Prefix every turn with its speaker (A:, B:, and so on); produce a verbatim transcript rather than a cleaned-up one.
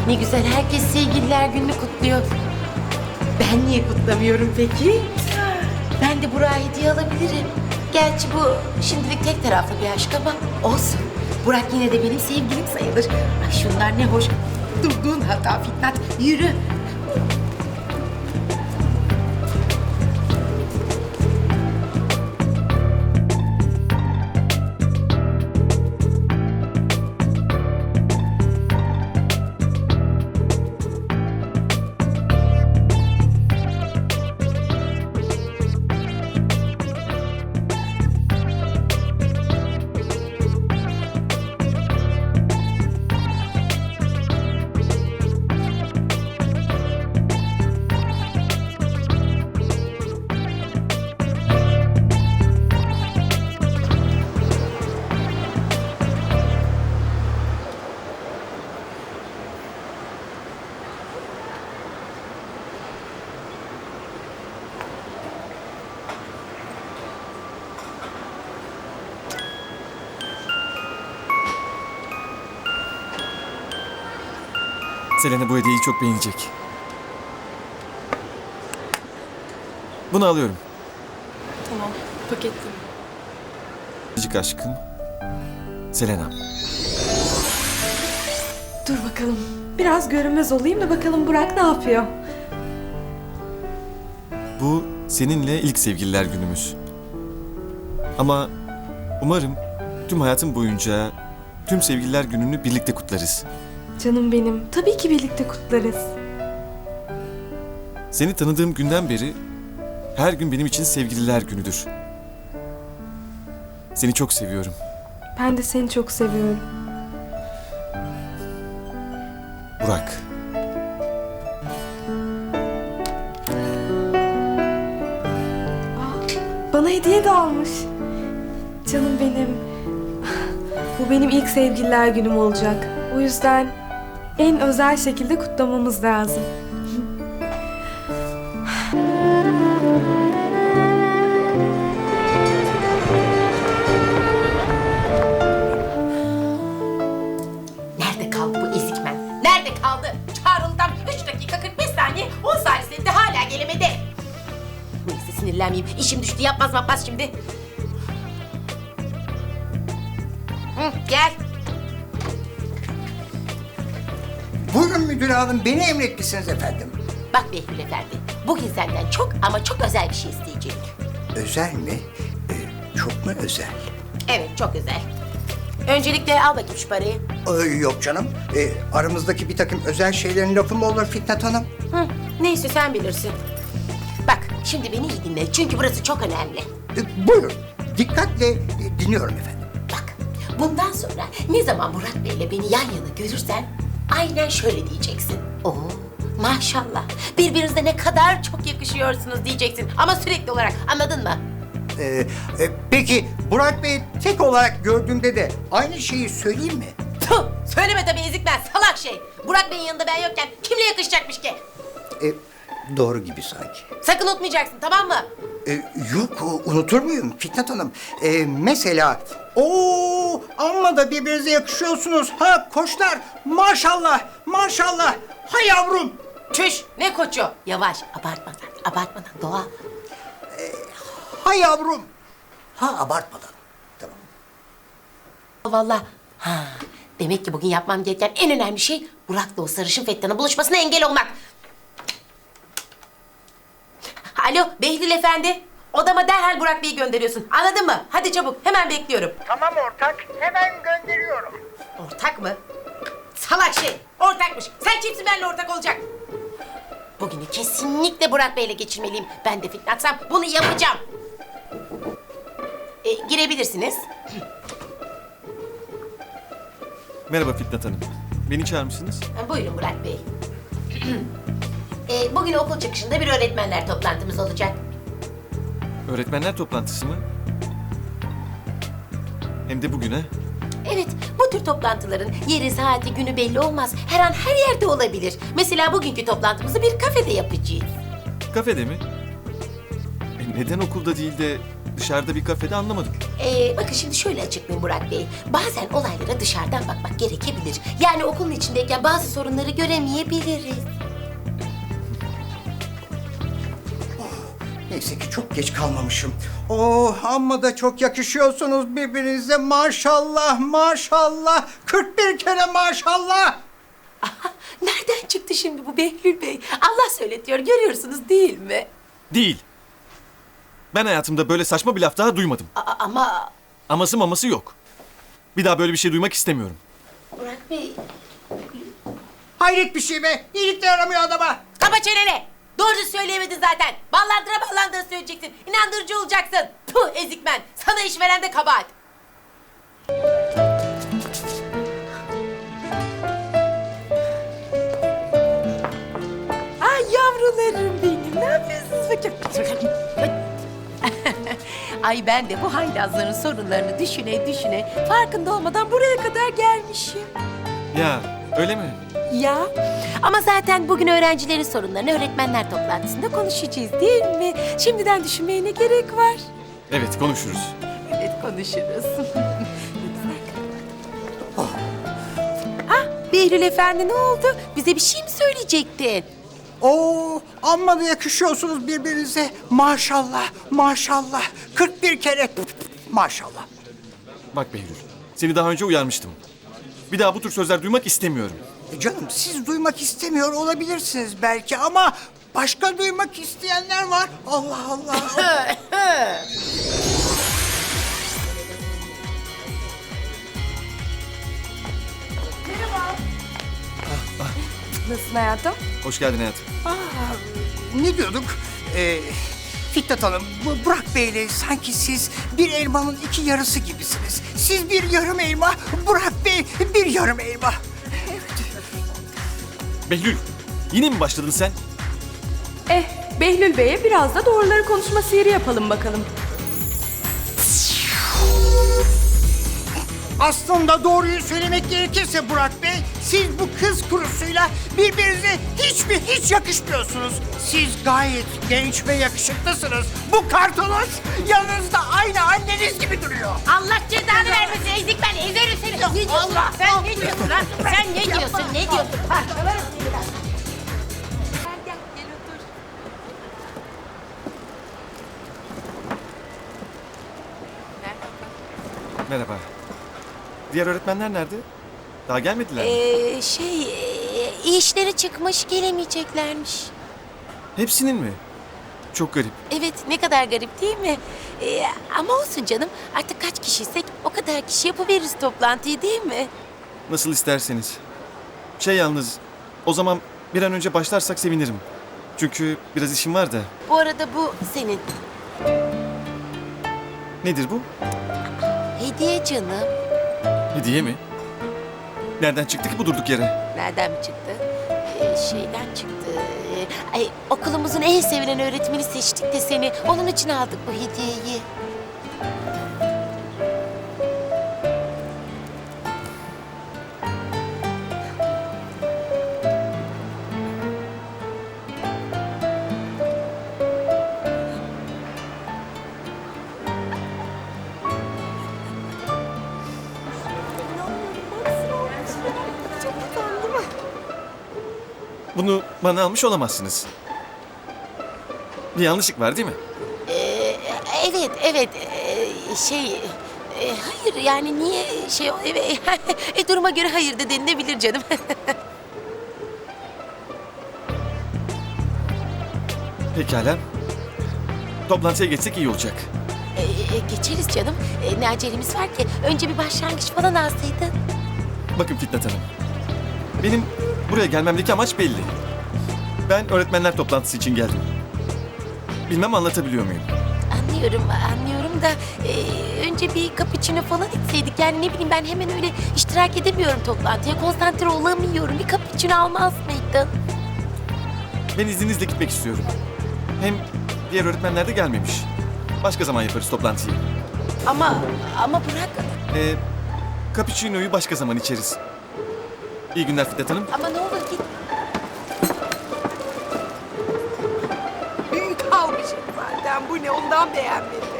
A: Ne güzel, herkes sevgililer gününü kutluyor. Ben niye kutlamıyorum peki? Ben de Burak'a hediye alabilirim. Gerçi bu şimdilik tek taraflı bir aşk ama olsun. Burak yine de benim sevgilim sayılır. Ay şunlar ne hoş. Durduğun hata Fitnat. Yürü.
B: Selena bu hediyeyi çok beğenecek. Bunu alıyorum.
C: Tamam, paketli.
B: Biricik aşkım. Selena.
C: Dur bakalım. Biraz görünmez olayım da bakalım Burak ne yapıyor?
B: Bu seninle ilk sevgililer günümüz. Ama umarım tüm hayatım boyunca tüm sevgililer gününü birlikte kutlarız.
C: Canım benim. Tabii ki birlikte kutlarız.
B: Seni tanıdığım günden beri her gün benim için sevgililer günüdür. Seni çok seviyorum.
C: Ben de seni çok seviyorum.
B: Burak.
C: Bana hediye de almış. Canım benim. Bu benim ilk sevgililer günüm olacak. O yüzden en özel şekilde kutlamamız lazım.
A: Nerede kaldı bu ezikmen? Nerede kaldı? Çağrıl'dan üç dakika kırk beş saniye, on saniyesinde hala gelemedi. Neyse sinirlenmeyeyim. İşim düştü, yapmaz yapmaz şimdi. Hı, gel.
D: Buyurun müdür hanım, beni emretmişsiniz efendim.
A: Bak Behlül Efendi, bugün senden çok ama çok özel bir şey isteyecek.
D: Özel mi? Ee, çok mu özel?
A: Evet, çok özel. Öncelikle al bakayım şu parayı.
D: Ee, yok canım. Ee, aramızdaki bir takım özel şeylerin lafı mı olur Fitnat Hanım?
A: Hı, neyse sen bilirsin. Bak, şimdi beni iyi dinle çünkü burası çok önemli.
D: Ee, buyurun, dikkatle e, dinliyorum efendim.
A: Bak, bundan sonra ne zaman Murat Bey'le beni yan yana görürsen aynen şöyle diyeceksin. Oo, maşallah. Birbirinize ne kadar çok yakışıyorsunuz diyeceksin. Ama sürekli olarak, anladın mı?
D: Ee, e, peki Burak Bey tek olarak gördüğümde de aynı şeyi söyleyeyim mi?
A: Tüh, söyleme tabii ezikmen, salak şey. Burak Bey'in yanında ben yokken kimle yakışacakmış ki?
D: Ee, doğru gibi sanki.
A: Sakın unutmayacaksın, tamam mı?
D: Ee, yok, unutur muyum Fitnat Hanım? Ee, mesela, ooo amma da birbirinize yakışıyorsunuz. Ha koçlar, maşallah, maşallah. Ha yavrum.
A: Çüş, ne koçu? Yavaş, abartmadan, abartmadan, doğal.
D: Ha yavrum. Ha abartmadan. Tamam.
A: Vallahi, ha, demek ki bugün yapmam gereken en önemli şey Burak'la o sarışın Fettan'ın buluşmasına engel olmak. Alo, Behlül Efendi. Odama derhal Burak Bey'i gönderiyorsun. Anladın mı? Hadi çabuk, hemen bekliyorum.
D: Tamam ortak, hemen gönderiyorum.
A: Ortak mı? Salak şey, ortakmış. Sen kimsin benimle ortak olacak? Bugünü kesinlikle Burak Bey'le geçirmeliyim. Ben de fitnatsam bunu yapacağım. E, girebilirsiniz.
B: Merhaba Fitnat Hanım. Beni çağırmışsınız.
A: Ha, buyurun Murat Bey. e, bugün okul çıkışında bir öğretmenler toplantımız olacak.
B: Öğretmenler toplantısı mı? Hem de bugün ha?
A: Evet, bu tür toplantıların yeri, saati, günü belli olmaz. Her an her yerde olabilir. Mesela bugünkü toplantımızı bir kafede yapacağız.
B: Kafede mi? E neden okulda değil de dışarıda bir kafede anlamadım.
A: Ee, bakın şimdi şöyle açıklayayım Burak Bey. Bazen olaylara dışarıdan bakmak gerekebilir. Yani okulun içindeyken bazı sorunları göremeyebiliriz.
D: Neyse ki çok geç kalmamışım. Oh, amma da çok yakışıyorsunuz birbirinize. Maşallah, maşallah. kırk bir kere maşallah.
A: Aha, nereden çıktı şimdi bu Behlül Bey? Allah söyletiyor, görüyorsunuz değil mi?
B: Değil. Ben hayatımda böyle saçma bir laf daha duymadım.
A: A- ama
B: Aması maması yok. Bir daha böyle bir şey duymak istemiyorum.
A: Burak Bey...
D: Hayret bir şey be. İyilik de yaramıyor adama.
A: Kapa çeneni! Doğru söyleyemedin zaten. Ballandıra ballandıra söyleyeceksin. İnandırıcı olacaksın. Puh ezikmen. Sana iş veren de kabahat. Ay yavrularım benim. Ne yapıyorsunuz bakayım? Ay ben de bu haylazların sorunlarını düşüne düşüne farkında olmadan buraya kadar gelmişim.
B: Ya öyle mi?
A: Ya ama zaten bugün öğrencilerin sorunlarını öğretmenler toplantısında konuşacağız değil mi? Şimdiden düşünmeye ne gerek var?
B: Evet konuşuruz.
A: Evet konuşuruz. Ah Behlül Efendi ne oldu? Bize bir şey mi söyleyecektin?
D: Oo, amma da yakışıyorsunuz birbirinize. Maşallah, maşallah. kırk bir kere maşallah.
B: Bak Behlül, seni daha önce uyarmıştım. Bir daha bu tür sözler duymak istemiyorum.
D: E canım, siz duymak istemiyor olabilirsiniz belki ama başka duymak isteyenler var. Allah Allah.
C: Nasılsın hayatım?
B: Hoş geldin hayatım.
D: Ne diyorduk? Ee, Fitnat Hanım, bu Burak Bey'le sanki siz bir elmanın iki yarısı gibisiniz. Siz bir yarım elma, Burak Bey bir yarım elma.
B: Behlül, yine mi başladın sen?
C: Eh, Behlül Bey'e biraz da doğruları konuşma sihiri yapalım bakalım.
D: Aslında doğruyu söylemek gerekirse Burak Bey, siz bu kız kurusuyla birbirinize hiç mi hiç yakışmıyorsunuz. Siz gayet genç ve yakışıklısınız. Bu kartoloş yanınızda aynı anneniz gibi duruyor.
A: Allah cezanı vermesin ezik ben ezerim seni. Ne diyorsun? Sen ne diyorsun lan? Sen ne diyorsun? Ne diyorsun? Ha, döverim seni ben. Gel gel gel otur.
B: Merhaba. Diğer öğretmenler nerede? Daha gelmediler mi?
A: Ee, şey, e, işleri çıkmış gelemeyeceklermiş.
B: Hepsinin mi? Çok garip.
A: Evet, ne kadar garip değil mi? Ee, ama olsun canım, artık kaç kişiysek o kadar kişi yapıveririz toplantıyı değil mi?
B: Nasıl isterseniz. Şey yalnız, o zaman bir an önce başlarsak sevinirim. Çünkü biraz işim var da.
A: Bu arada bu senin.
B: Nedir bu?
A: Hediye canım.
B: Hediye mi? Nereden çıktı ki bu durduk yere?
A: Nereden mi çıktı? Ee, şeyden çıktı. Ee, ay, okulumuzun en sevilen öğretmeni seçtik de seni. Onun için aldık bu hediyeyi.
B: Bunu bana almış olamazsınız. Bir yanlışlık var değil mi?
A: Ee, evet, evet. Ee, şey... e, hayır yani niye şey... Evet, e, duruma göre hayır da denilebilir canım.
B: Pekala. Toplantıya geçsek iyi olacak.
A: Ee, geçeriz canım. Ee, ne acelemiz var ki? Önce bir başlangıç falan alsaydın.
B: Bakın Fitnat Hanım. Benim buraya gelmemdeki amaç belli. Ben öğretmenler toplantısı için geldim. Bilmem anlatabiliyor muyum?
A: Anlıyorum, anlıyorum da e, önce bir cappuccino falan içseydik. Yani ne bileyim ben hemen öyle iştirak edemiyorum toplantıya. Konsantre olamıyorum. Bir cappuccino almaz mıydın?
B: Ben izninizle gitmek istiyorum. Hem diğer öğretmenler de gelmemiş. Başka zaman yaparız toplantıyı.
A: Ama, ama bırak.
B: Ee, cappuccino'yu başka zaman içeriz. İyi günler Fitnat Hanım.
A: Ama ne olur git. Büyük almışım zaten. Bu ne? Ondan beğenmedim.